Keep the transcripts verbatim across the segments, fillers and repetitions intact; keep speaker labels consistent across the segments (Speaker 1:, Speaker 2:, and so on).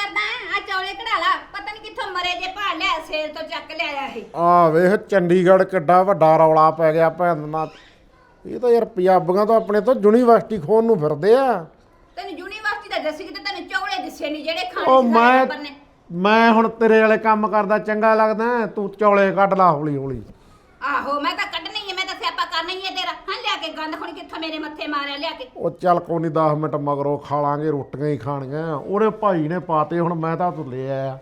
Speaker 1: ਕਰਦਾ ਆ ਚੌਲੇ ਕਢਾ ਲਾ ਪਤਾ ਨਹੀਂ ਕਿੱਥੋਂ ਮਰੇ ਜੇ ਭਾਲ ਲਿਆ ਸੇਲ ਤੋਂ ਚੱਕ ਲਿਆਇਆ ਇਹ
Speaker 2: ਆ ਵੇਖ ਚੰਡੀਗੜ੍ਹ ਕਿੱਡਾ ਵੱਡਾ ਰੌਲਾ ਪੈ ਗਿਆ ਭੈਣ ਨਾਲ ਇਹ ਤਾਂ ਯਾਰ ਪੰਜਾਬੀਆਂ ਤੋਂ ਆਪਣੇ ਤੋਂ ਯੂਨੀਵਰਸਿਟੀ ਖੋਣ ਨੂੰ ਫਿਰਦੇ ਆ
Speaker 1: ਤੈਨੂੰ ਯੂਨੀਵਰਸਿਟੀ ਦਾ ਦੱਸੀ ਕਿ ਤੈਨੂੰ ਚੌਲੇ ਦਿਸੇ ਨਹੀਂ ਜਿਹੜੇ ਖਾਣੇ
Speaker 2: ਉਹ
Speaker 1: ਸੀ
Speaker 2: ਮੈਂ
Speaker 1: ਸਾਰੇ ਨੇ
Speaker 2: ਮੈਂ ਹੁਣ ਤੇਰੇ ਵਾਲੇ ਕੰਮ ਕਰਦਾ ਚੰਗਾ ਲੱਗਦਾ ਤੂੰ ਚੌਲੇ ਕੱਢ ਲਾ ਹੌਲੀ ਹੌਲੀ
Speaker 1: ਆਹੋ ਮੈਂ ਤਾਂ ਕੱਢਣੀ ਹੈ ਮੈਂ ਤਾਂ ਸਿਆਪਾ ਕਰਨਾ ਹੀ ਹੈ ਤੇਰਾ ਹਾਂ ਲਿਆ ਕੇ ਗੰਦ ਹੁਣ ਕਿੱਥੋਂ ਮੇਰੇ ਮੱਥੇ ਮਾਰਿਆ ਲਿਆ ਕੇ
Speaker 2: ਉਹ ਚੱਲ ਕੋਈ ਨਹੀਂ ਦਸ ਮਿੰਟ ਮਗਰੋਂ ਖਾ ਲਾਂਗੇ ਰੋਟੀਆਂ ਹੀ ਖਾਣੀਆਂ ਉਹਦੇ ਭਾਈ ਨੇ ਪਾਤੇ ਹੁਣ ਮੈਂ ਤਾਂ ਤੂੰ ਲੈ ਆਇਆ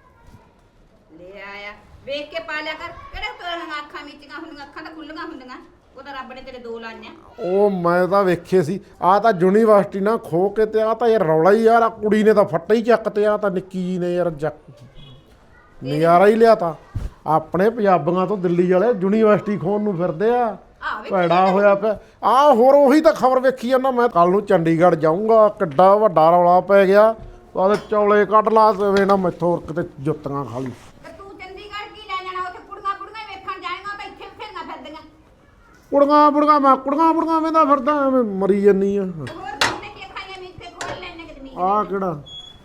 Speaker 1: ਲੈ ਆਇਆ ਵੇਖ ਕੇ ਪਾ ਲਿਆ ਕਰ ਕਿਹੜੇ ਤੋਰਨ ਅੱਖਾਂ ਮੀਚੀਆਂ ਹੁੰਦੀਆਂ ਅੱਖਾਂ ਤਾਂ ਖੁੱਲੀਆਂ ਹੁੰਦੀਆਂ ਉਹ ਤਾਂ ਰੱਬ ਨੇ ਤੇਰੇ ਦੋ ਲਾਈਆਂ
Speaker 2: ਉਹ ਮੈਂ ਤਾਂ ਵੇਖੇ ਸੀ ਆ ਤਾਂ ਯੂਨੀਵਰਸਿਟੀ ਨਾ ਖੋ ਕੇ ਤੇ ਆ ਤਾਂ ਯਾਰ ਰੌਲਾ ਹੀ ਯਾਰ ਆ ਕੁੜੀ ਨੇ ਤਾਂ ਫੱਟੇ ਹੀ ਚੱਕ ਤੇ ਆ ਤਾਂ ਨਿੱਕੀ ਜੀ ਨੇ ਯਾਰ ਨਜ਼ਾਰਾ ਹੀ ਲਿਆ ਤਾਂ ਆਪਣੇ ਪੰਜਾਬੀਆਂ ਤੋਂ ਦਿੱਲੀ ਵਾਲੇ ਯੂਨੀਵਰਸਿਟੀ ਖੋਣ ਨੂੰ ਫਿਰਦੇ ਆ ਭੈੜਾ ਹੋਇਆ ਪਿਆ ਆ ਹੋਰ ਉਹੀ ਤਾਂ ਖਬਰ ਵੇਖੀ ਜਾਂਦਾ ਮੈਂ ਕੱਲ ਨੂੰ ਚੰਡੀਗੜ੍ਹ ਜਾਊਂਗਾ ਕਿੱਡਾ ਵੱਡਾ ਰੌਲਾ ਪੈ ਗਿਆ ਉਹਦੇ ਚੌਲੇ ਕੱਢ ਲਾ ਵੇ ਨਾ ਮੈਥੋਂ ਕਿਤੇ ਜੁੱਤੀਆਂ ਖਾ ਲਈ
Speaker 1: ਤੂੰ ਚੰਡੀਗੜ੍ਹ ਕੀ ਲੈ ਜਾਣਾ ਉੱਥੇ ਕੁੜੀਆਂ ਕੁੜੀਆਂ ਵੇਖਣ ਜਾਏਗਾ ਤਾਂ ਇੱਥੇ ਫਿਰਨਾ ਫਿਰਦੀਆਂ
Speaker 2: ਕੁੜੀਆਂ ਕੁੜੀਆਂ ਮੈਂ ਕੁੜੀਆਂ ਕੁੜੀਆਂ ਵੇਂਦਾ ਫਿਰਦਾ ਐਵੇਂ ਮਰੀ ਜੰਨੀ ਆ
Speaker 1: ਹੋਰ ਕਿੰਨੇ ਕੀ ਖਾਈਆਂ ਮੀਥੇ ਖੋਲ ਲੈਣੇ ਕਿ ਜ਼ਮੀਨ
Speaker 2: ਆ ਕਿਹੜਾ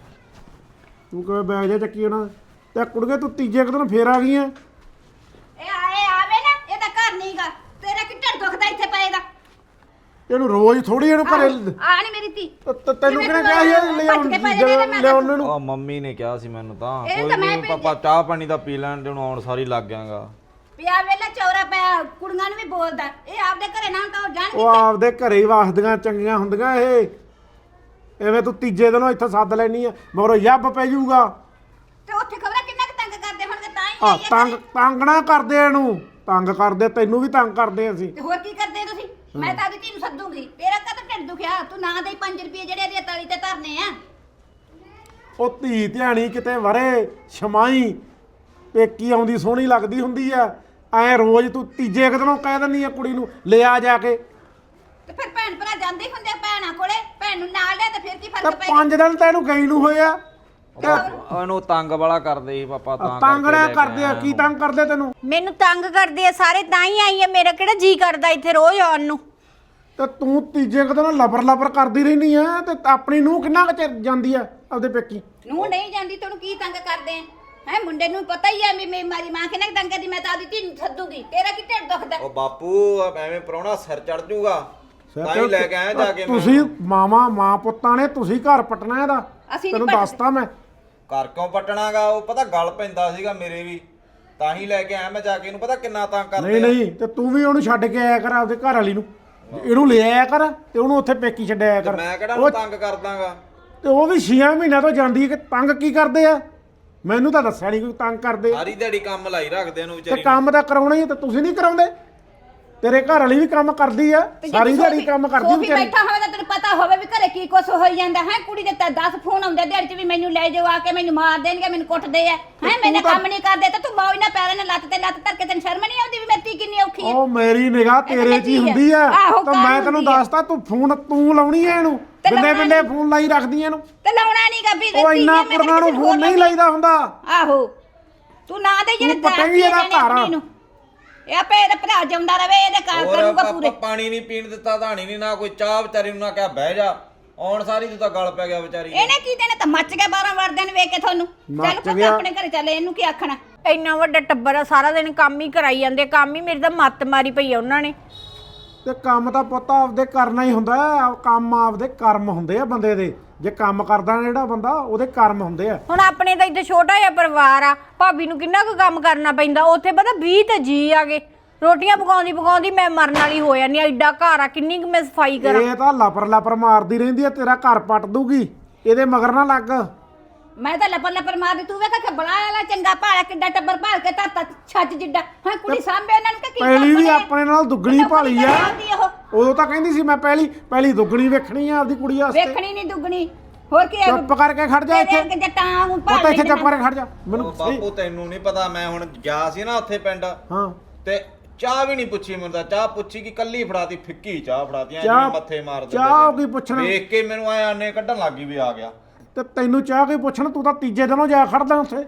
Speaker 2: ਤੂੰ ਕਿਵੇਂ ਬੈਗ ਜਾ ਚੱਕੀ ਹੋਣਾ ਤੇ ਕੁੜੀਆਂ ਤੂੰ ਤੀਜੇ ਕੁ ਦਿਨ ਫੇਰ ਆ ਗਈਆਂ
Speaker 1: ਇਹ ਆਏ ਆਵੇ ਨਾ ਇਹ ਤਾਂ ਘਰ ਨਹੀਂਗਾ ਤੇਰਾ ਕਿ ਢਿੱਡ ਦੁਖਦਾ ਇੱਥੇ ਪਏਗਾ
Speaker 2: ਇਹਨੂੰ ਰੋਜ਼ ਥੋੜੀ ਇਹਨੂੰ ਘਰੇ
Speaker 1: ਆ ਨਹੀਂ ਮੇਰੀ ਧੀ
Speaker 2: ਤ- ਤੈਨੂੰ ਕਿਹਨੇ ਕਿਹਾ ਸੀ ਇਹ ਲਿਆਉਣ ਲਿਆਉਣ ਨੂੰ
Speaker 3: ਆ ਮੰਮੀ ਨੇ ਕਿਹਾ ਸੀ ਮੈਨੂੰ ਤਾਂ
Speaker 1: ਇਹ
Speaker 3: ਕੋਈ
Speaker 1: ਤਾਂ ਮੈਂ
Speaker 3: ਨਹੀਂ
Speaker 1: ਭੇਜਿਆ।
Speaker 3: ਪਾਪਾ ਚਾਹ ਪਾਣੀ ਦਾ ਪੀ ਲੈਣ ਤੇ ਹੁਣ ਆਉਣ ਸਾਰੀ ਲੱਗ ਗਿਆਗਾ
Speaker 1: ਪਿਆ ਵੇਲਾ ਚੌਰਾ ਪਿਆ ਕੁੜੀਆਂ ਨੂੰ ਵੀ ਬੋਲਦਾ ਇਹ ਆਪਦੇ ਘਰੇ ਨਾ ਤਾਂ ਜਾਣਗੇ
Speaker 2: ਉਹ ਆਪਦੇ ਘਰੇ ਹੀ ਵਸਦੀਆਂ ਚੰਗੀਆਂ ਹੁੰਦੀਆਂ ਇਹ ਐਵੇਂ ਤੂੰ ਤੀਜੇ ਦਿਨੋਂ ਇੱਥੇ ਸੱਦ ਲੈਣੀ ਆ ਮਗਰੋਂ ਯੱਬ ਪੈ ਜਾਊਗਾ
Speaker 1: ਤੇ ਉੱਥੇ ਖਬਰਾਂ ਕਿੰਨਾ ਕੁ ਤੰਗ ਕਰਦੇ ਹੋਣਗੇ ਤਾਂ ਹੀ
Speaker 2: ਆ
Speaker 1: ਆਈ ਹੈ
Speaker 2: ਤੰਗ
Speaker 1: ਘਰੇ।
Speaker 2: ਤੰਗ ਨਾ ਕਰਦੇ ਇਹਨੂੰ ਤੰਗ ਕਰਦੇ ਤੈਨੂੰ ਵੀ ਤੰਗ ਕਰਦੇ ਅਸੀਂ
Speaker 1: ਤੇ ਹੋਰ ਕੀ ਕਰਦੇ ਤੁਸੀਂ ਮੈਂ ਤਾਂ ਉਹਦੀ ਧੀ ਨੂੰ ਸੱਦੂਗੀ ਤੇਰਾ ਕਦ ਢਿੱਡ ਦੁਖਿਆ ਤੂੰ ਨਾ ਦੇ ਪੰਜ ਰੁਪਏ ਜਿਹੜੇ ਇਹਦੀ ਤਲੀ ਤੇ ਧਰਨੇ ਆ
Speaker 2: ਉਹ ਧੀ ਧਿਆਣੀ ਕਿਤੇ ਵਰੇ ਛਮਾਈ ਪੇਕੀ ਆਉਂਦੀ ਸੋਹਣੀ ਲੱਗਦੀ ਹੁੰਦੀ ਆ ਐ ਰੋਜ਼ ਤੂੰ ਤੀਜੇ ਕੁ ਦਿਨੋਂ ਕਹਿ ਦਿੰਦੀ ਆ ਕੁੜੀ ਨੂੰ ਲਿਆ ਜਾ ਕੇ
Speaker 1: ਤੇ ਫਿਰ ਭੈਣ ਭਰਾ ਜਾਂਦੇ ਹੀ ਹੁੰਦੇ ਆ ਭੈਣਾਂ ਕੋਲੇ ਭੈਣ ਨੂੰ ਨਾਲ ਲਿਆ ਤੇ ਫਿਰ ਕੀ
Speaker 2: ਤੇ
Speaker 1: ਫਰਕ ਪੈ
Speaker 2: ਪੰਜ ਦਿਨ ਤੈਨੂੰ ਗਈ ਨੂੰ ਹੋਏ ਆ
Speaker 3: ਉਹਨੂੰ ਤੰਗ ਵਾਲਾ ਕਰਦੇ ਸੀ ਪਾਪਾ ਤਾਂ
Speaker 2: ਤੰਗ
Speaker 3: ਕਰਕੇ
Speaker 2: ਨਾ
Speaker 3: ਲੈ ਕੇ
Speaker 2: ਕਰਦੇ ਆ
Speaker 3: ਆਇਆ
Speaker 2: ਕੀ ਤੰਗ ਕਰਦੇ ਤੈਨੂੰ
Speaker 4: ਮੈਨੂੰ ਤੰਗ ਕਰਦੇ ਆ ਸਾਰੇ ਤਾਂ ਹੀ ਆਈ ਆ ਮੇਰਾ ਕਿਹੜਾ ਜੀ ਕਰਦਾ ਇੱਥੇ ਰੋਜ਼ ਆਉਣ ਨੂੰ
Speaker 2: ਤੇ ਤੂੰ ਤੀਜੇ ਕੁ ਦਿਨ ਲਬਰ ਲਬਰ ਕਰਦੀ ਰਹਿਨੀ ਆ ਤੇ ਆਪਣੀ ਨੂੰ ਕਿੰਨਾ ਕੁ ਚਿਰ ਜਾਂਦੀ ਆ ਆਪਦੇ ਪੇਕੀ
Speaker 1: ਨੂੰ ਨਹੀਂ ਜਾਂਦੀ ਤੈਨੂੰ ਕੀ ਤੰਗ ਕਰਦੇ ਆ ਹੈ ਮੁੰਡੇ ਨੂੰ ਪਤਾ ਹੀ ਆ ਵੀ ਮੇਰੀ ਮਾਰੀ ਮਾਂ ਕਿੰਨਾ ਕੁ ਤੰਗ ਕਰਦੀ ਮੈਂ ਤਾਂ ਆਪਦੀ ਧੀ ਨੂੰ ਸੱਦੂਗੀ ਤੇਰਾ ਕੀ ਢਿੱਡ ਦੁਖਦਾ
Speaker 3: ਉਹ ਬਾਪੂ ਐਵੇਂ ਪ੍ਰਾਹੁਣਾ ਸਿਰ ਚੜ ਜਾਊਗਾ ਤਾਂ ਹੀ ਲੈ ਕੇ ਆਇਆ ਜਾ ਕੇ ਮੈਂ
Speaker 2: ਤੁਸੀਂ ਮਾਮਾ ਮਾਂ ਪੁੱਤਾਂ ਨੇ ਤੁਸੀਂ ਘਰ ਪਟਣਾ ਇਹਦਾ
Speaker 1: ਅਸੀਂ ਨੀ
Speaker 2: ਤੈਨੂੰ
Speaker 1: ਪੱਟਦੇ।
Speaker 2: ਦੱਸਤਾ ਮੈਂ
Speaker 3: ਘਰ ਕਿਉਂ ਪਟਣਾਗਾ ਉਹ ਪਤਾ ਗਲ ਪੈਂਦਾ ਸੀਗਾ ਮੇਰੇ ਵੀ ਤਾਂ ਹੀ ਲੈ ਕੇ ਆਇਆ ਮੈਂ ਜਾ ਕੇ ਇਹਨੂੰ ਪਤਾ ਕਿੰਨਾ ਤੰਗ ਕਰਦੇ
Speaker 2: ਨਹੀਂ ਨਹੀਂ ਤੇ ਤੂੰ ਵੀ ਉਹਨੂੰ ਛੱਡ ਕੇ ਆਇਆ ਕਰ ਆਪਦੇ ਘਰ ਵਾਲੀ ਨੂੰ ਇਹਨੂੰ ਲੈ ਆਇਆ ਕਰ ਤੇ ਉਹਨੂੰ ਉੱਥੇ ਪੇਕੀ ਛੱਡਿਆ ਕਰ
Speaker 3: ਮੈਂ ਕਿਹੜਾ
Speaker 2: ਉਹ-
Speaker 3: ਨੂੰ ਤੰਗ ਕਰਦਾਗਾ
Speaker 2: ਤੇ ਉਹ ਵੀ ਛੇ ਮਹੀਨਿਆਂ ਤੋਂ ਜਾਂਦੀ ਹੈ ਕਿ ਤੰਗ ਕੀ ਕਰਦੇ ਆ ਮੈਨੂੰ ਤਾਂ ਦੱਸਿਆ ਨਹੀਂ ਕੋਈ ਤੰਗ ਕਰਦੇ ਆ।
Speaker 3: ਸਾਰੀ ਦਿਹਾੜੀ ਕੰਮ ਲਾਈ ਰੱਖਦੇ ਇਹਨੂੰ
Speaker 2: ਤੇ
Speaker 3: ਵਿਚਾਰੀ ਨੂੰ।
Speaker 2: ਕੰਮ ਤਾਂ ਕਰਾਉਣਾ ਹੀ ਆ ਤੇ ਤੁਸੀਂ ਨਹੀਂ ਕਰਾਉਂਦੇ ਤੇਰੇ ਘਰ ਵਾਲੀ ਵੀ ਕੰਮ ਕਰਦੀ ਆ
Speaker 1: ਤੇ ਜੇ
Speaker 2: ਸਾਰੀ ਦਿਹਾੜੀ
Speaker 1: ਸੋਫੀ-
Speaker 2: ਕੰਮ ਕਰਦੀ
Speaker 1: ਸੋਫੀ
Speaker 2: ਵਿਚਾਰੀ
Speaker 1: ਬੈਠਾ ਹੋਵੇ ਤਾਂ ਤੈਨੂੰ ਪਤਾ ਹੋਵੇ ਵੀ ਘਰੇ ਕੀ ਕੁਛ ਹੋਈ ਜਾਂਦਾ ਹੈ ਕੁੜੀ ਦੇ ਤਾਂ ਦਸ ਫੋਨ ਆਉਂਦੇ ਦਿਹਾੜੀ ਚ ਵੀ ਮੈਨੂੰ ਲੈ ਜਾਓ ਆ ਕੇ ਮੈਨੂੰ ਮਾਰ ਦੇਣਗੇ ਮੈਨੂੰ ਕੁੱਟਦੇ ਆ ਹੈ ਮੈਨੇ
Speaker 2: ਤਾਂ-
Speaker 1: ਕੰਮ ਨਹੀਂ ਕਰਦੇ ਤਾਂ ਤੂੰ ਮੌਜ ਨਾਲ ਪੈਰਾਂ ਨਾਲ ਲੱਤ ਤੇ ਲੱਤ ਧਰ ਕੇ ਤੈਨੂੰ ਸ਼ਰਮ ਨਹੀਂ ਆਉਂਦੀ ਵੀ ਮੇਰੀ ਧੀ ਕਿੰਨੀ ਔਖੀ ਹੈ
Speaker 2: ਉਹ ਮੇਰੀ ਨਿਗਾਹ
Speaker 1: ਇਹ ਤਾਂ
Speaker 2: ਤੇਰੇ 'ਚ ਹੀ
Speaker 1: ਹੈ।
Speaker 2: ਹੁੰਦੀ ਆ
Speaker 1: ਆਹੋ,
Speaker 2: ਤਾਂ
Speaker 1: ਕਾਹਨੂੰ
Speaker 2: ਮੈਂ ਤੈਨੂੰ
Speaker 1: ਹੁੰਦੀ ਆ?
Speaker 2: ਦੱਸਤਾ ਤੂੰ ਫੋਨ ਤੂੰ ਲਾਉਣੀ ਆ ਇਹਨੂੰ
Speaker 1: ਤੇ
Speaker 2: ਬਿੰਦੇ
Speaker 1: ਲਾਉਣਾ
Speaker 2: ਬਿੰਦੇ
Speaker 1: ਨੀ।
Speaker 2: ਫੋਨ ਲਾਈ ਰੱਖਦੀ ਇਹਨੂੰ
Speaker 1: ਤੇ ਲਾਉਣਾ ਨਹੀਂਗਾ ਵੀ
Speaker 2: ਉਹ ਇੰਨਾ ਕੁੜੀਆਂ ਨੂੰ ਫੋਨ ਨਹੀਂ ਲਾਈਦਾ ਹੁੰਦਾ
Speaker 1: ਆਹੋ ਤੂੰ ਨਾ ਦੇ ਜਿਹੜੇ
Speaker 2: ਤੂੰ ਪਟੇਂਗੀ ਇਹਦਾ ਘਰ ਆ।
Speaker 1: ਇਹ ਆਪੇ ਇਹਦਾ ਭਰਾ ਜਿਉਂਦਾ ਰਵੇ ਇਹਦੇ ਘਰ
Speaker 3: ਹੋਰ
Speaker 1: ਕਰੂਗਾ
Speaker 3: ਪਾਪਾ
Speaker 1: ਪੂਰੇ
Speaker 3: ਪਾਣੀ ਨਹੀਂ ਪੀਣ ਦਿੱਤਾ ਧਾਣੀ ਨਹੀਂ ਨਾ ਕੋਈ ਚਾਹ ਵਿਚਾਰੀ ਨੂੰ ਨਾ ਕਿਹਾ ਬਹਿ ਜਾ ਆਉਣ ਸਾਰੀ ਤੂੰ ਤਾਂ ਗਲ ਪੈ ਗਿਆ ਵਿਚਾਰੀ ਨੂੰ।
Speaker 1: ਇਹਨੇ ਕੀ ਦੇਣੇ ਤਾਂ ਮੱਚ ਗਿਆ ਬਾਰਾਂ ਵਰਦਿਆਂ ਨੂੰ ਵੇਖ ਕੇ ਤੁਹਾਨੂੰ ਚੱਲ
Speaker 2: ਮੱਚ
Speaker 1: ਪੁੱਤ
Speaker 2: ਗਿਆ।
Speaker 1: ਆਪਣੇ ਘਰੇ ਚੱਲ ਇਹਨੂੰ ਕੀ ਆਖਣਾ
Speaker 4: ਇੰਨਾ ਵੱਡਾ ਟੱਬਰ ਆ ਸਾਰਾ ਦਿਨ ਕੰਮ ਹੀ ਕਰਾਈ ਜਾਂਦੇ ਕੰਮ ਹੀ ਮੇਰੀ ਤਾਂ ਮੱਤ ਮਾਰੀ ਪਈ ਆ ਉਹਨਾਂ ਨੇ
Speaker 2: ਤੇ ਕੰਮ ਤਾਂ ਪੁੱਤ ਆਪਦੇ ਕਰਨਾ ਹੀ ਹੁੰਦਾ ਹੈ, ਕੰਮ ਆਪਦੇ ਕਰਮ ਹੁੰਦੇ ਆ ਬੰਦੇ ਦੇ ਜੇ ਕੰਮ ਕਰਦਾ ਨਾ ਜਿਹੜਾ ਬੰਦਾ ਉਹਦੇ ਕਰਮ ਹੁੰਦੇ ਆ
Speaker 4: ਹੁਣ ਆਪਣੇ ਤਾਂ ਇੱਥੇ ਛੋਟਾ ਜਿਹਾ ਪਰਿਵਾਰ ਆ ਭਾਬੀ ਨੂੰ ਕਿੰਨਾ ਕੁ ਕੰਮ ਕਰਨਾ ਪੈਂਦਾ ਉੱਥੇ ਪਤਾ ਵੀਹ ਤੇ ਜੀ ਆ ਗਏ ਰੋਟੀਆਂ ਪਕਾਉਂਦੀ ਪਕਾਉਂਦੀ ਮੈਂ ਮਰਨ ਵਾਲੀ ਹੋ ਜਾਂਦੀ ਆ ਐਡਾ ਘਰ ਆ ਕਿੰਨੀ ਕੁ ਮੈਂ ਸਫਾਈ ਕਰਾਂ
Speaker 2: ਇਹ ਤਾਂ ਲਪਰ ਲਪਰ ਮਾਰਦੀ ਰਹਿੰਦੀ ਆ ਤੇਰਾ ਘਰ ਪੱਟ ਦੂਗੀ ਇਹਦੇ ਮਗਰ ਨਾ ਲੱਗ
Speaker 1: ਮੈਂ ਤਾਂ ਲੱਪਰ ਲੱਪਰ ਮਾਰਦੀ ਤੂੰ ਵੇਖ ਕੇ ਬੜਾ ਵਾਲਾ ਚੰਗਾ ਭਾਲਾ ਕਿੱਡਾ ਟੱਬਰ ਭਾਲ ਕੇ ਧਰਤਾ ਛੱਜ ਜਿੱਡਾ ਹਾਂ ਕੁੜੀ ਸਾਂਭੇ ਉਹਨਾਂ ਨੂੰ ਕਿ ਕੀ
Speaker 2: ਪਹਿਲੀ ਵੀ
Speaker 1: ਕੰਮ ਨੇ?
Speaker 2: ਆਪਣੇ ਨਾਲ ਦੁੱਗਣੀ
Speaker 1: ਨੌਕਰੀ
Speaker 2: ਭਾਲੀ ਆ
Speaker 1: ਕਰਦੀ ਉਹ।
Speaker 2: ਉਦੋਂ ਤਾਂ ਕਹਿੰਦੀ ਸੀ ਮੈਂ ਪਹਿਲੀ ਪਹਿਲੀ ਦੁੱਗਣੀ ਵੇਖਣੀ ਆ ਆਪਦੀ ਕੁੜੀ ਵਾਸਤੇ
Speaker 1: ਵੇਖਣੀ ਨਹੀਂ ਦੁੱਗਣੀ ਹੋਰ ਕੀ ਹੈ
Speaker 2: ਚੁੱਪ ਕਰਕੇ ਖੜ ਜਾ ਇੱਥੇ
Speaker 1: ਤੇਰੇ ਜੱਟਾਂ ਨੂੰ
Speaker 2: ਉਹ
Speaker 1: ਭਾਲ
Speaker 2: ਤਾਂ ਇੱਥੇ
Speaker 1: ਲੈਂਦੇ
Speaker 2: ਚੁੱਪ ਕਰਕੇ ਖੜ ਜਾ
Speaker 3: ਉਹ
Speaker 2: ਮੈਨੂੰ ਸਹੀ-
Speaker 3: ਬਾਪੂ ਤੈਨੂੰ ਨਹੀਂ ਪਤਾ ਮੈਂ ਹੁਣ ਗਿਆ ਸੀ ਨਾ ਉੱਥੇ ਪਿੰਡ
Speaker 2: ਹਾਂ
Speaker 3: ਤੇ ਚਾਹ ਵੀ ਨਹੀਂ ਪੁੱਛੀ ਮੈਨੂੰ ਤਾਂ ਚਾਹ ਪੁੱਛੀ ਕਿ ਕੱਲੀ ਫੜਾਤੀ ਫਿੱਕੀ ਚਾਹ ਫੜਾਤੀ ਐ
Speaker 2: ਚਾਹ-
Speaker 3: ਜਿਵੇਂ ਮੱਥੇ ਮਾਰ ਦਿੰਦੇ
Speaker 2: ਚਾਹ
Speaker 3: ਸੀ।
Speaker 2: ਕੀ ਪੁੱਛਣਾ?
Speaker 3: ਵੇਖ ਕੇ ਮੈਨੂੰ ਆਏ ਆਨੇ ਕੱਢਣ ਲੱਗੀ ਵੀ ਆ ਗਿਆ
Speaker 2: ਤੇ ਤੈਨੂੰ ਚਾਹ ਕੇ ਪੁੱਛਣ ਤੂੰ ਤਾਂ ਤੀਜੇ ਦਿਨੋਂ ਜਾ ਖੜਦਾ ਉੱਥੇ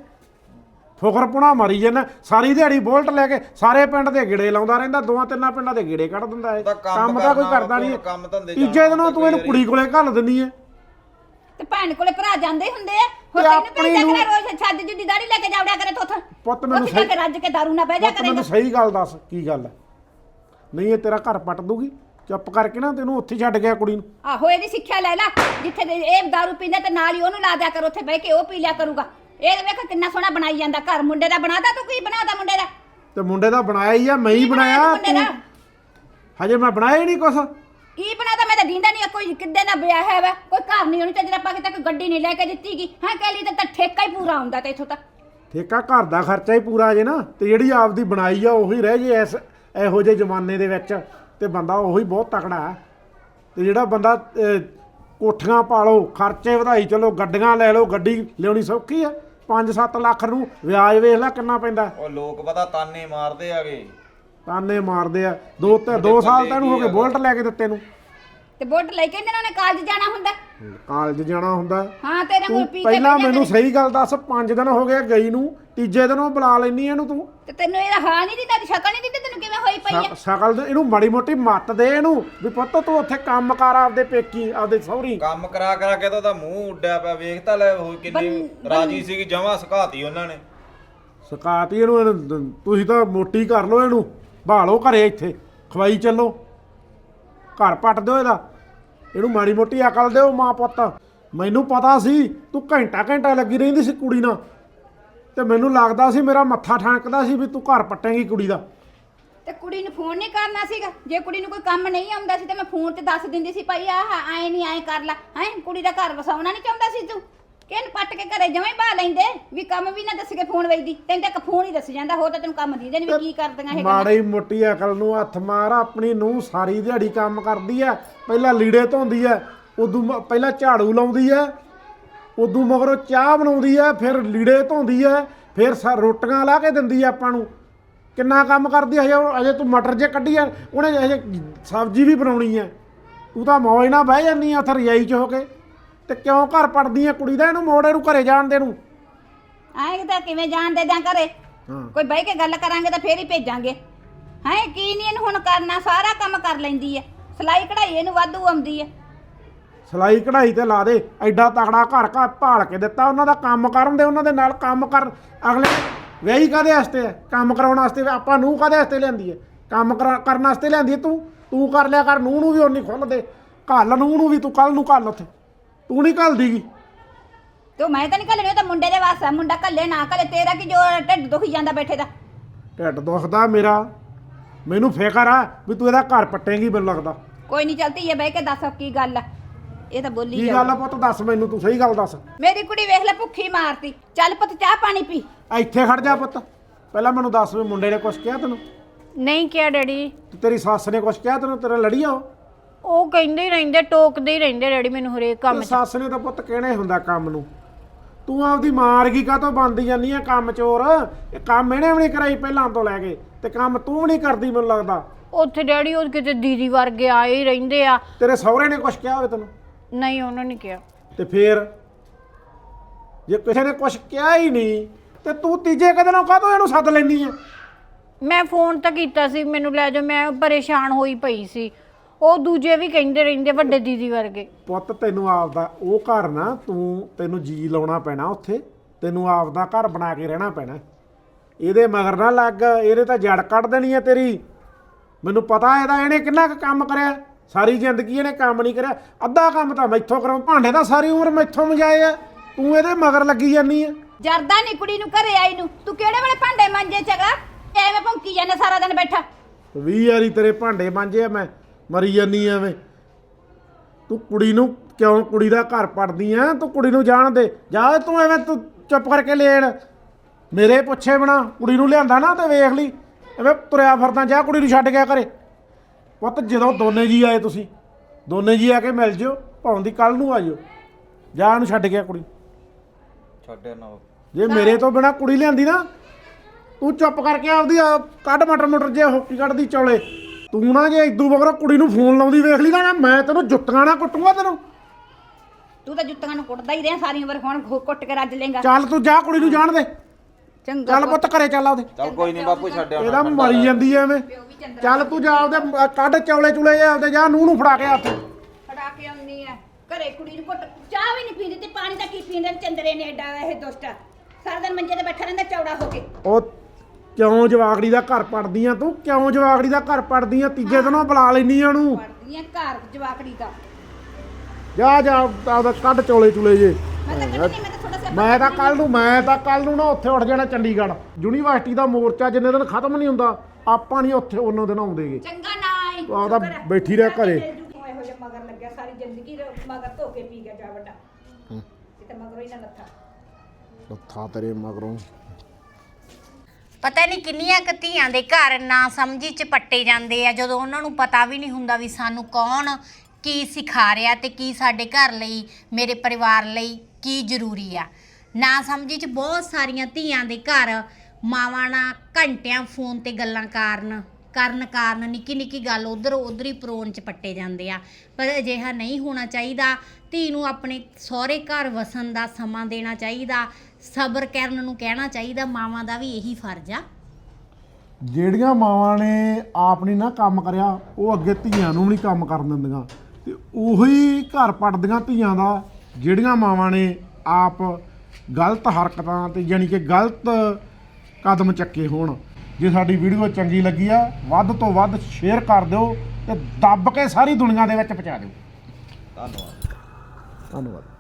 Speaker 2: ਫੁਕਰਪੁਣਾ ਮਾਰੀ ਜਾਂਦਾ ਸਾਰੀ ਦਿਹਾੜੀ ਬੋਲਟ ਲੈ ਕੇ ਸਾਰੇ ਪਿੰਡ ਦੇ ਗੇੜੇ ਲਾਉਂਦਾ ਰਹਿੰਦਾ ਦੋਆਂ ਤਿੰਨਾਂ ਪਿੰਡਾਂ ਦੇ ਗੇੜੇ ਕੱਢ ਦਿੰਦਾ ਇਹ
Speaker 3: ਤਾਂ ਕੰਮ
Speaker 2: ਕੰਮ ਤਾਂ ਕੋਈ
Speaker 3: ਕਰਨਾ,
Speaker 2: ਕਰਦਾ ਨਹੀਂ
Speaker 3: ਕੰਮ ਧੰਦੇ
Speaker 2: ਤੀਜੇ
Speaker 3: ਜਾਣਾ
Speaker 2: ਦਿਨੋਂ ਤੂੰ ਇਹਨੂੰ
Speaker 3: ਕੋਈ
Speaker 2: ਕੁੜੀ ਕੋਲੇ ਘੱਲ ਦਿੰਦੀ ਐ
Speaker 1: ਤੇ ਭੈਣ ਕੋਲੇ ਭਰਾ ਜਾਂਦੇ ਹੁੰਦੇ ਆ ਹੋਰ
Speaker 2: ਤੇ
Speaker 1: ਤੈਨੂੰ
Speaker 2: ਆਪਣੀ
Speaker 1: ਭੇਜਿਆ
Speaker 2: ਨੂੰ
Speaker 1: ਕਰੇ ਰੋਜ਼ ਛੱਜ ਜੁੱਦੀ ਦਾੜੀ ਲੈ ਕੇ ਜਾਵੜਿਆ ਕਰੇ ਤੋਥ
Speaker 2: ਪੁੱਤ ਮੈਨੂੰ
Speaker 1: ਉੱਥੇ ਜਾ ਕੇ ਰੱਜ ਕੇ ਦਾਰੂ ਨਾ ਬਹਿ ਜਾ
Speaker 2: ਪੁੱਤ ਮੈਨੂੰ
Speaker 1: ਕਰੇਗਾ
Speaker 2: ਸਹੀ ਗੱਲ ਦੱਸ ਕੀ ਗੱਲ ਹੈ ਨਹੀਂ ਇਹ ਤੇਰਾ ਘਰ ਪੱਟ ਦੂਗੀ ਚੁੱਪ ਕਰਕੇ ਨਾ ਤੈਨੂੰ ਉੱਥੇ ਛੱਡ ਗਿਆ ਕੁੜੀ ਨੂੰ
Speaker 1: ਆਹੋ ਇਹਦੀ ਸਿੱਖਿਆ ਲੈ ਲੈ ਜਿੱਥੇ ਦੇ ਇਹ ਦਾਰੂ ਪੀਂਦਾ ਤੇ ਨਾਲ ਹੀ ਉਹਨੂੰ ਲਾ ਦਿਆ ਕਰ ਉੱਥੇ ਬਹਿ ਕੇ ਉਹ ਪੀ ਲਿਆ ਕਰੂਗਾ ਇਹ ਵੇਖ ਕਿੰਨਾ ਸੋਹਣਾ ਬਣਾਈ ਜਾਂਦਾ ਘਰ ਮੁੰਡੇ ਦਾ ਬਣਾਦਾ ਤੂੰ ਕੀ ਬਣਾਦਾ ਮੁੰਡੇ ਦਾ
Speaker 2: ਤੇ ਮੁੰਡੇ ਦਾ ਬਣਾਇਆ ਹੀ ਆ ਮੈਂ ਹੀ
Speaker 1: ਕੀ ਬਣਾਇਆ
Speaker 2: ਬਣਾਇਆ
Speaker 1: ਤੂੰ ਮੁੰਡੇ
Speaker 2: ਤੂੰ ਹਜੇ ਮੈਂ ਬਣਾਇਆ ਹੀ ਨਹੀਂ ਕੁਛ
Speaker 1: ਕੀ ਬਣਾਦਾ ਮੈਂ ਤਾਂ ਦੀਂਦਾ ਨਹੀਂ ਕੋਈ ਕਿੱਦੇ ਨਾ ਵਿਆਹ ਹੈ ਵਾ ਕੋਈ ਘਰ ਨਹੀਂ ਉਹਨੂੰ ਚੱਜਦਾ ਪਾ ਕੇ ਤੱਕ ਗੱਡੀ ਨਹੀਂ ਲੈ ਕੇ ਦਿੱਤੀਗੀ ਹਾਂ ਕਹਿ ਲਈ ਤਾਂ ਠੇਕਾ ਹੀ ਪੂਰਾ ਹੁੰਦਾ ਤੇ ਇਥੋਂ ਤਾਂ
Speaker 2: ਠੇਕਾ ਘਰ ਦਾ ਖਰਚਾ ਹੀ ਪੂਰਾ ਜੇ ਨਾ ਤੇ ਜਿਹੜੀ ਆਪਦੀ ਬਣਾਈ ਆ ਉਹੀ ਰਹਿ ਜੇ ਇਸ ਇਹੋ ਜਿਹੇ ਜ਼ਮਾਨੇ ਦੇ ਵਿੱਚ ਤੇ ਬੰਦਾ ਉਹੀ ਬਹੁਤ ਤਕੜਾ ਹੈ ਤੇ ਜਿਹੜਾ ਬੰਦਾ ਅਹ, ਕੋਠੀਆਂ ਪਾਲੋ ਖਰਚੇ ਵਧਾਈ ਚਲੋ ਗੱਡੀਆਂ ਲੈ ਲਓ ਗੱਡੀ ਲਿਆਉਣੀ ਸੌਖੀ ਆ ਪੰਜ ਸੱਤ ਲੱਖ ਨੂੰ ਵਿਆਜ ਵੇਖ ਲੈ ਕਿੰਨਾ ਪੈਂਦਾ
Speaker 3: ਉਹ ਲੋਕ ਪਤਾ ਤਾਨੇ ਮਾਰਦੇ ਆਗੇ
Speaker 2: ਤਾਨੇ ਮਾਰਦੇ ਆ ਦੋ ਤੇ ਦੋ ਸਾਲ ਤੈਨੂੰ ਹੋ ਗਏ ਬੁਲਟ ਲੈ ਕੇ ਦਿੱਤੇ ਨੂੰ
Speaker 1: ਤੇ ਬੁੱਟ ਲੈ ਕੇ ਇਹਨਾਂ ਨੇ ਕਾਲਜ ਜਾਣਾ ਹੁੰਦਾ
Speaker 2: ਕਾਲਜ ਜਾਣਾ ਹੁੰਦਾ
Speaker 1: ਹਾਂ ਤੇਰੇ ਕੋਲ
Speaker 2: ਤੂੰ
Speaker 1: ਪੀ ਕੇ
Speaker 2: ਪਹਿਲਾਂ
Speaker 1: ਬਹਿ ਜਾ
Speaker 2: ਮੈਨੂੰ
Speaker 1: ਕਰੇ।
Speaker 2: ਸਹੀ ਗੱਲ ਦੱਸ ਪੰਜ ਦਿਨ ਹੋ ਗਏ ਗਈ ਨੂੰ ਤੀਜੇ ਦਿਨ ਉਹ ਬੁਲਾ ਲੈਣੀ ਇਹਨੂੰ ਤੂੰ
Speaker 1: ਤੇ ਤੈਨੂੰ ਇਹਦਾ ਹਾਲ ਨਹੀਂ ਦਿੱਤਾ ਸ਼ਕਲ ਨਹੀਂ ਦਿੱਤੀ ਤੈਨੂੰ ਕਿਵੇਂ ਹੋਈ ਪਈ ਆ
Speaker 2: ਸ਼- ਸ਼ਕਲ ਦੇ ਇਹਨੂੰ ਮਾੜੀ ਮੋਟੀ ਮੱਤ ਦੇ ਇਹਨੂੰ ਵੀ ਪੁੱਤ ਤੂੰ ਉੱਥੇ ਕੰਮ ਕਰ ਆਪਦੇ ਪੇਕੀ ਆਪਦੇ ਸਹੁਰੀ
Speaker 3: ਕੰਮ ਕਰਾ ਕਰਾ ਕੇ ਤਾਂ ਉਹਦਾ ਮੂੰਹ ਉੱਡਿਆ ਪਿਆ ਵੇਖ ਤਾਂ ਲੈ ਉਹ ਕਿੰਨੀ ਰਾਜੀ ਸੀਗੀ ਜਮਾਂ ਸੁਕਾਤੀ ਉਹਨਾਂ ਨੇ
Speaker 2: ਸਕਾਤੀ ਇਹਨੂੰ ਇਹਨੂੰ- ਤੁਸੀਂ ਤਾਂ ਮੋਟੀ ਕਰ ਲਓ ਇਹਨੂੰ ਭਾਲੋ ਘਰੇ ਇੱਥੇ ਖਵਾਈ ਚੱਲੋ ਘਰ ਪੱਟ ਦਿਓ ਇਹਦਾ ਇਹਨੂੰ ਮਾੜੀ ਮੋਟੀ ਅਕਲ ਦਿਓ ਮਾਂ ਪੁੱਤ ਮੈਨੂੰ ਪਤਾ ਸੀ ਤੂੰ ਘੰਟਾ ਘੰਟਾ ਲੱਗੀ ਰਹਿੰਦੀ ਸੀ ਕੁੜੀ ਨਾਲ ਤੇ ਮੈਨੂੰ ਲੱਗਦਾ ਸੀ ਮੇਰਾ ਮੱਥਾ ਠਾਂਕਦਾ ਸੀ ਵੀ ਤੂੰ ਘਰ ਪੱਟੇਂਗੀ ਕੁੜੀ ਦਾ
Speaker 1: ਤੇ ਕੁੜੀ ਨੂੰ ਫੋਨ ਨਹੀਂ ਕਰਨਾ ਸੀਗਾ ਜੇ ਕੁੜੀ ਨੂੰ ਕੋਈ ਕੰਮ ਨਹੀਂ ਆਉਂਦਾ ਸੀ ਤੇ ਮੈਂ ਫੋਨ ਤੇ ਦੱਸ ਦਿੰਦੀ ਸੀ ਭਾਈ ਆਹ ਐ ਨਹੀਂ ਐ ਕਰ ਲੈ ਹੈ ਕੁੜੀ ਦਾ ਘਰ ਵਸਾਉਣਾ ਨਹੀਂ ਚਾਹੁੰਦਾ ਸੀ ਤੂੰ ਕਿਹਨ ਪੱਟ ਕੇ ਘਰੇ ਜਮਾਂ ਹੀ ਬਾ ਲੈਂਦੇ ਵੀ ਕੰਮ ਵੀ ਨਾ ਦੱਸ ਕੇ ਫੋਨ ਵੇਚਦੀ ਤੈਨੂੰ ਤਾਂ ਇੱਕ ਫੋਨ ਹੀ ਦੱਸ ਜਾਂਦਾ ਹੋਰ ਤਾਂ ਤੈਨੂੰ ਕੰਮ ਦੀਦੇ ਨਹੀਂ ਵੀ ਕੀ ਕਰਦੀਆਂ ਇਹ ਗੱਲਾਂ
Speaker 2: ਮਾੜੀ ਮੋਟੀ ਅਕਲ ਨੂੰ ਹੱਥ ਮਾਰ ਆਪਣੀ ਨੂੰ ਸਾਰੀ ਦਿਹਾੜੀ ਕੰਮ ਕਰਦੀ ਐ ਪਹਿਲਾਂ ਲੀੜੇ ਧੋਂਦੀ ਐ ਉਦੋਂ ਮ- ਪਹਿਲਾਂ ਝਾੜੂ ਲਾਉਂਦੀ ਐ ਉਦੋਂ ਮਗਰੋਂ ਚਾਹ ਬਣਾਉਂਦੀ ਐ ਫਿਰ ਲੀੜੇ ਧੋਂਦੀ ਐ ਫਿਰ ਸਾ ਰੋਟੀਆਂ ਲਾ ਕੇ ਦਿੰਦੀ ਐ ਆਪਾਂ ਨੂੰ ਕਿੰਨਾ ਕੰਮ ਕਰਦੀ ਐ ਹਜੇ ਉਹ- ਹਜੇ ਤੂੰ ਮਟਰ ਜੇ ਕੱਢੀ ਐ ਉਹਨੇ ਹਜੇ ਸਬਜ਼ੀ ਵੀ ਬਣਾਉਣੀ ਐ ਤੂੰ ਤਾਂ ਮੌਜ ਨਾਲ ਬਹਿ ਜਾਂਦੀ ਐ ਉੱਥੇ ਰਜਾਈ 'ਚ ਹੋ ਕੇ ਤੇ ਕਿਉਂ ਘਰ ਪੜਦੀ ਐ ਕੁੜੀ ਦਾ ਇਹਨੂੰ ਮੋੜ ਇਹਨੂੰ ਘਰੇ ਜਾਣ ਦੇ ਨੂੰ
Speaker 1: ਐਂ ਤਾਂ ਕਿਵੇਂ ਜਾਣ ਦੇ ਦਿਆਂ ਘਰੇ
Speaker 2: ਹਾਂ
Speaker 1: ਕੋਈ ਬਹਿ ਕੇ ਗੱਲ ਕਰਾਂਗੇ ਤਾਂ ਫੇਰ ਹੀ ਭੇਜਾਂਗੇ ਹੈ ਕੀ ਨਹੀਂ ਇਹਨੂੰ ਹੁਣ ਕਰਨਾ ਸਾਰਾ ਕੰਮ ਕਰ ਲੈਂਦੀ ਐ ਸਿਲਾਈ ਕਢਾਈ ਇਹਨੂੰ ਵਾਧੂ ਆਉਂਦੀ ਐ
Speaker 2: ਸਿਲਾਈ ਕਢਾਈ ਤੇ ਲਾ ਦੇ ਐਡਾ ਤਕੜਾ ਘਰ ਘਰ ਭਾਲ ਕੇ ਦਿੱਤਾ ਉਹਨਾਂ ਦਾ ਕੰਮ ਕਰਨ ਦੇ ਉਹਨਾਂ ਦੇ ਨਾਲ ਕੰਮ ਕਰ ਅਗਲੇ ਵਿਆਹੀ ਕਾਦੇ ਵਾਸਤੇ ਹੈ ਕੰਮ ਕਰਾਉਣ ਵਾਸਤੇ ਆਪਾਂ ਨੂੰ ਕਾਦੇ ਵਾਸਤੇ ਲਿਆਂਦੀ ਹੈ ਕੰਮ ਕਰਾ- ਕਰਨ ਵਾਸਤੇ ਲਿਆਂਦੀ ਹੈ ਤੂੰ ਤੂੰ ਕਰ ਲਿਆ ਕਰ ਨੂੰ ਨੂੰ ਵੀ ਉਨੀ ਖੁੱਲ ਦੇ ਘੱਲ ਨੂੰ ਨੂੰ ਵੀ ਤੂੰ ਕੱਲ ਨੂੰ ਘੱਲ ਉੱਥੇ ਤੂੰ ਨਹੀਂ ਘੱਲਦੀਗੀ
Speaker 1: ਤੂੰ ਮੈਂ ਤਾਂ ਨਹੀਂ ਘੱਲਣੀ ਉਹ ਤਾਂ ਮੁੰਡੇ ਦੇ ਵਾਸਤੇ ਆ, ਮੁੰਡਾ ਘੱਲੇ ਨਾ ਘੱਲੇ ਤੇਰਾ ਕੀ ਜੋ ਢਿੱਡ ਦੁਖੀ ਜਾਂਦਾ ਬੈਠੇ ਦਾ
Speaker 2: ਢਿੱਡ ਦੁਖਦਾ ਮੇਰਾ ਮੈਨੂੰ ਫਿਕਰ ਆ ਵੀ ਤੂੰ ਇਹਦਾ ਘਰ ਪੱਟੇਂਗੀ ਮੈਨੂੰ ਲੱਗਦਾ
Speaker 1: ਕੋਈ ਨਹੀਂ ਚਲਦੀ ਇਹ ਬਹਿ ਕੇ ਦੱਸ ਕੀ ਗੱਲ ਆ ਇਹ ਤਾਂ ਬੋਲੀ
Speaker 2: ਕੀ
Speaker 1: ਜਾਊ।
Speaker 2: ਗੱਲ ਆ ਪੁੱਤ ਦੱਸ ਮੈਨੂੰ ਤੂੰ ਸਹੀ ਗੱਲ ਦੱਸ
Speaker 1: ਮੇਰੀ ਕੁੜੀ ਵੇਖ ਲੈ ਭੁੱਖੀ ਮਾਰਤੀ ਚੱਲ ਪੁੱਤ ਚਾਹ ਪਾਣੀ ਪੀ
Speaker 2: ਇੱਥੇ ਖੜ ਜਾ ਪੁੱਤ ਪਹਿਲਾਂ ਮੈਨੂੰ ਦੱਸ ਵੀ ਮੁੰਡੇ ਨੇ ਕੁਛ ਕਿਹਾ ਤੈਨੂੰ
Speaker 4: ਨਹੀਂ ਕਿਹਾ ਡੈਡੀ
Speaker 2: ਤੇ ਤੇਰੀ ਸੱਸ ਨੇ ਕੁਛ ਕਿਹਾ ਤੈਨੂੰ ਤੇਰਾ ਲੜੀ ਆ ਉਹ
Speaker 4: ਉਹ ਕਹਿੰਦੇ ਹੀ ਰਹਿੰਦੇ ਟੋਕਦੇ ਹੀ ਰਹਿੰਦੇ ਡੈਡੀ ਮੈਨੂੰ ਹਰੇਕ ਕੰਮ
Speaker 2: ਤੇ
Speaker 4: 'ਚ
Speaker 2: ਸੱਸ ਨੇ ਤਾਂ ਪੁੱਤ ਕਹਿਣਾ ਹੀ ਹੁੰਦਾ ਕੰਮ ਨੂੰ ਤੂੰ ਆਪਦੀ ਮਾਰਗੀ ਕਾਹਤੋਂ ਬਣਦੀ ਜਾਂਦੀ ਆ ਕੰਮ ਚੋਰ ਇਹ ਕੰਮ ਇਹਨੇ ਵੀ ਨਹੀਂ ਕਰਾਈ ਪਹਿਲਾਂ ਤੋਂ ਲੈ ਕੇ ਤੇ ਕੰਮ ਤੂੰ ਵੀ ਨਹੀਂ ਕਰਦੀ ਮੈਨੂੰ ਲੱਗਦਾ
Speaker 4: ਉੱਥੇ ਡੈਡੀ ਉਹ ਕਿਤੇ ਦੀਦੀ ਵਰਗੇ ਆਏ ਹੀ ਰਹਿੰਦੇ ਆ
Speaker 2: ਤੇਰੇ ਸਹੁਰੇ ਨੇ ਕੁਛ ਕਿਹਾ ਹੋਵੇ ਤੈਨੂੰ
Speaker 4: ਨਹੀਂ ਉਹਨਾਂ ਨੇ ਕਿਹਾ
Speaker 2: ਤੇ ਫੇਰ ਜੇ ਕਿਸੇ ਨੇ ਕੁਛ ਕਿਹਾ ਹੀ ਨਹੀਂ ਤੇ ਤੂੰ ਤੀਜੇ ਕਦੇ ਨੂੰ ਕਾਹਤੋਂ ਇਹਨੂੰ ਸੱਦ ਲੈਂਦੀ ਆ
Speaker 4: ਮੈਂ ਫੋਨ ਤਾਂ ਕੀਤਾ ਸੀ ਮੈਨੂੰ ਲੈ ਜਾਓ ਮੈਂ ਪਰੇਸ਼ਾਨ ਹੋਈ ਪਈ ਸੀ ਉਹ ਦੂਜੇ ਵੀ ਕਹਿੰਦੇ ਰਹਿੰਦੇ ਵੱਡੇ ਦੀਦੀ ਵਰਗੇ
Speaker 2: ਪੁੱਤ ਤੈਨੂੰ ਆਪਦਾ ਉਹ ਘਰ ਨਾ ਤੂੰ ਤੈਨੂੰ ਜੀ ਲਾਉਣਾ ਪੈਣਾ ਉੱਥੇ ਤੈਨੂੰ ਆਪਦਾ ਘਰ ਬਣਾ ਕੇ ਰਹਿਣਾ ਪੈਣਾ ਇਹਦੇ ਮਗਰ ਨਾ ਲੱਗ ਇਹਦੇ ਤਾਂ ਜੜ ਕੱਢ ਦੇਣੀ ਹੈ ਤੇਰੀ ਮੈਨੂੰ ਪਤਾ ਇਹਦਾ ਇਹਨੇ ਕਿੰਨਾ ਕੁ ਕੰਮ ਕਰਿਆ ਸਾਰੀ ਜ਼ਿੰਦਗੀ ਇਹਨੇ ਕੰਮ ਨਹੀਂ ਕਰਿਆ ਅੱਧਾ ਕੰਮ ਤਾਂ ਮੈਥੋਂ ਕਰਾਉਂ ਭਾਂਡੇ ਤਾਂ ਸਾਰੀ ਉਮਰ ਮੈਥੋਂ ਮਜਾਏ ਆ ਤੂੰ ਇਹਦੇ ਮਗਰ ਲੱਗੀ ਜਾਂਦੀ ਆ
Speaker 1: ਜਰਦਾ ਨਹੀਂ ਕੁੜੀ ਨੂੰ ਘਰੇ ਆਈ ਨੂੰ ਤੂੰ ਕਿਹੜੇ ਵੇਲੇ ਭਾਂਡੇ ਮਾਂਜੇ ਚਗਾ ਐਵੇਂ ਭੌਂਕੀ ਜਾਂਦਾ ਸਾਰਾ ਦਿਨ ਬੈਠਾ
Speaker 2: ਵੀਹ ਵਾਰੀ ਤੇਰੇ ਭਾਂਡੇ ਮਾਂਜੇ ਆ ਮੈਂ ਮਰੀ ਜਾਨੀ ਐਵੇਂ ਤੂੰ ਕੁੜੀ ਨੂੰ ਕਿਉਂ ਕੁੜੀ ਦਾ ਘਰ ਪੜਦੀ ਆ ਤੂੰ ਕੁੜੀ ਨੂੰ ਜਾਣ ਦੇ ਜਾ ਤੂੰ ਐਵੇਂ ਤੂੰ ਚੁੱਪ ਕਰਕੇ ਲੈਣ ਮੇਰੇ ਪੁੱਛੇ ਬਣਾ ਕੁੜੀ ਨੂੰ ਲਿਆਂਦਾ ਨਾ ਤੇ ਵੇਖ ਲਈ ਐਵੇਂ ਤੁਰਿਆ ਫਿਰਦਾ ਜਾ ਕੁੜੀ ਨੂੰ ਛੱਡ ਗਿਆ ਘਰੇ ਪੁੱਤ ਜਦੋਂ ਦੋਨੇ ਜੀ ਆਏ ਤੁਸੀਂ ਦੋਨੇ ਜੀ ਆ ਕੇ ਮਿਲ ਜਿਓ ਭਾਵੇਂ ਦੀ ਕੱਲ ਨੂੰ ਆ ਜਿਓ ਜਾ ਉਹਨੂੰ ਛੱਡ ਗਿਆ ਕੁੜੀ
Speaker 3: ਛੱਡਿਆ ਨਾ
Speaker 2: ਜੇ ਮੇਰੇ ਤੋਂ ਬਿਨਾ ਕੁੜੀ ਲਿਆਂਦੀ ਨਾ ਤੂੰ ਚੁੱਪ ਕਰਕੇ ਆਪਦੀ ਆ ਕੱਢ ਮਟਰ ਮਟਰ ਜੇ ਹੋਕੀ ਕੱਢਦੀ ਚੌਲੇ ਤੂੰ ਨਾ ਜੇ ਇਦੂ ਬਗਰ ਕੁੜੀ ਨੂੰ ਫੋਨ ਲਾਉਂਦੀ ਵੇਖ ਲਈ ਨਾ ਮੈਂ ਤੈਨੂੰ ਜੁੱਤੀਆਂ ਨਾਲ ਕੁੱਟੂਗਾ ਤੈਨੂੰ
Speaker 1: ਤੂੰ ਤਾਂ ਜੁੱਤੀਆਂ ਨੂੰ ਕੁੱਟਦਾ ਹੀ ਰਿਹਾ ਸਾਰੀ ਉਮਰ ਹੁਣ ਘੁ- ਕੁੱਟ ਕੇ ਰੱਜ ਲੇਗਾ
Speaker 2: ਚੱਲ ਤੂੰ ਜਾ ਕੁੜੀ ਨੂੰ ਜਾਣ ਦੇ
Speaker 1: ਚੰਗਾ
Speaker 2: ਚੱਲ ਪੁੱਤ ਘਰੇ ਚੱਲ ਆਉਦੇ
Speaker 3: ਚੱਲ ਕੋਈ ਨਹੀਂ ਬਾਪੂ ਛੱਡਿਆ
Speaker 2: ਇਹਦਾ ਮਰੀ ਜਾਂਦੀ ਐ ਐਵੇਂ ਚੱਲ ਤੂੰ ਜਾ ਉਹਦੇ ਕੱਢ ਚੌਲੇ ਚੁਲੇ ਜੇ ਆਪਦੇ ਜਾ ਨੂੰ ਨੂੰ ਫੜਾ ਕੇ ਹੱਥ
Speaker 1: ਫੜਾ ਕੇ ਆਉਣੀ ਐ ਘਰੇ ਕੁੜੀ ਨੂੰ ਘੁੱਟ ਚਾਹ ਵੀ ਨਹੀਂ ਪੀਂਦੀ ਤੇ ਪਾਣੀ ਤਾਂ ਕੀ ਪੀਂਦੇ ਚੰਦਰੇ ਨੇ ਐਡਾ ਇਹ ਦੁਸ਼ਟ ਸਾਰਾ ਦਿਨ ਮੰਜੇ ਤੇ ਬੈਠਾ ਰਹਿੰਦਾ ਚੌੜਾ ਹੋ ਕੇ।
Speaker 2: ਉਹ ਕਿਉਂ ਜਵਾਗੜੀ ਦਾ ਘਰ ਪੜਦੀ ਆ ਤੂੰ ਕਿਉਂ ਜਵਾਗੜੀ ਦਾ ਘਰ ਪੜਦੀ ਆ ਤੀਜੇ ਦਿਨੋਂ ਬੁਲਾ ਲੈਨੀ ਆ ਉਹਨੂੰ
Speaker 1: ਪੜਦੀਆਂ ਘਰ ਜਵਾਕੜੀ ਦਾ।
Speaker 2: ਜਾ ਜਾ ਆਪਦਾ ਕੱਢ ਚੋਲੇ ਚੁਲੇ ਜੇ
Speaker 1: ਮੈਂ ਤਾਂ ਕੱਢਣੀ ਮੈਂ ਤਾਂ ਥੋੜਾ ਜਿਹਾ
Speaker 2: ਮੈਂ ਤਾਂ ਕੱਲ ਨੂੰ ਮੈਂ ਤਾਂ ਕੱਲ ਨੂੰ ਨਾ ਉੱਥੇ ਉੱਠ ਜਾਣਾ ਚੰਡੀਗੜ੍ਹ ਯੂਨੀਵਰਸਿਟੀ ਦਾ ਮੋਰਚਾ ਜਿੰਨੇ ਦਿਨ ਖਤਮ ਨਹੀਂ ਹੁੰਦਾ ਆਪਾਂ ਨਹੀਂ ਉੱਥੇ ਉਹਨਾਂ ਦਿਨ ਆਉਂਦੇਗੇ।
Speaker 1: ਚੰਗਾ ਨਾ ਆਈ
Speaker 2: ਤੂੰ ਆਪਦਾ ਬੈਠੀ ਰਹਿ ਘਰੇ।
Speaker 1: ਇਹੋ ਜਿਹਾ ਮਗਰ ਲੱਗਿਆ ਸਾਰੀ ਜ਼ਿੰਦਗੀ ਮਗਰ ਧੋ ਕੇ ਪੀ ਗਿਆ ਜਾ ਵੱਡਾ ਕਿਤੇ ਮਗਰੋਂ ਹੀ ਨਾ ਲੱਥਾ
Speaker 2: ਲੱਥਾ ਤੇਰੇ ਮਗਰੋਂ।
Speaker 4: ਪਤਾ ਨਹੀਂ ਕਿੰਨੀਆਂ ਕੁ ਧੀਆਂ ਦੇ ਘਰ ਨਾ ਸਮਝੀ ਚ ਪੱਟੇ ਜਾਂਦੇ ਆ ਜਦੋਂ ਉਹਨਾਂ ਨੂੰ ਪਤਾ ਵੀ ਨਹੀਂ ਹੁੰਦਾ ਵੀ ਸਾਨੂੰ ਕੌਣ ਕੀ ਸਿਖਾ ਰਿਹਾ ਤੇ ਕੀ ਸਾਡੇ ਘਰ ਲਈ ਮੇਰੇ ਪਰਿਵਾਰ ਲਈ ਕੀ ਜ਼ਰੂਰੀ ਆ। ਨਾ ਸਮਝੀ ਚ ਬਹੁਤ ਸਾਰੀਆਂ ਧੀਆਂ ਦੇ ਘਰ ਮਾਵਾਂ ਨਾਲ ਘੰਟਿਆਂ ਫੋਨ ਤੇ ਗੱਲਾਂ ਕਾਰਨ ਕਰਨ ਕਾਰਨ ਨਿੱਕੀ ਨਿੱਕੀ ਗੱਲ ਉਧਰ ਉਧਰ ਹੀ ਪਰੋਣ ਚ ਪੱਟੇ ਜਾਂਦੇ ਆ। ਪਰ ਅਜਿਹਾ ਨਹੀਂ ਹੋਣਾ ਚਾਹੀਦਾ। ਧੀ ਨੂੰ ਆਪਣੇ ਸਹੁਰੇ ਘਰ ਵਸਣ ਦਾ ਸਮਾਂ ਦੇਣਾ ਚਾਹੀਦਾ। ਸਬਰ ਕਰਨ ਨੂੰ ਕਹਿਣਾ ਚਾਹੀਦਾ। ਮਾਵਾਂ ਦਾ ਵੀ ਇਹੀ ਫਰਜ਼ ਆ।
Speaker 2: ਜਿਹੜੀਆਂ ਮਾਵਾਂ ਨੇ ਆਪ ਨਹੀਂ ਨਾ ਕੰਮ ਕਰਿਆ ਉਹ ਅੱਗੇ ਧੀਆਂ ਨੂੰ ਵੀ ਨਹੀਂ ਕੰਮ ਕਰਨ ਦਿੰਦੀਆਂ ਤੇ ਉਹੀ ਘਰ ਪੜਦੀਆਂ ਧੀਆਂ ਦਾ ਜਿਹੜੀਆਂ ਮਾਵਾਂ ਨੇ ਆਪ ਗਲਤ ਹਰਕਤਾਂ ਤੇ ਯਾਨੀ ਕਿ ਗਲਤ ਕਦਮ ਚੱਕੇ ਹੋਣ। ਜੇ ਸਾਡੀ ਵੀਡੀਓ ਚੰਗੀ ਲੱਗੀ ਆ ਵੱਧ ਤੋਂ ਵੱਧ ਸ਼ੇਅਰ ਕਰ ਦਿਓ ਤੇ ਦੱਬ ਕੇ ਸਾਰੀ ਦੁਨੀਆ ਦੇ ਵਿੱਚ ਪਹੁੰਚਾ ਦਿਓ।
Speaker 3: ਧੰਨਵਾਦ।
Speaker 2: ਧੰਨਵਾਦ।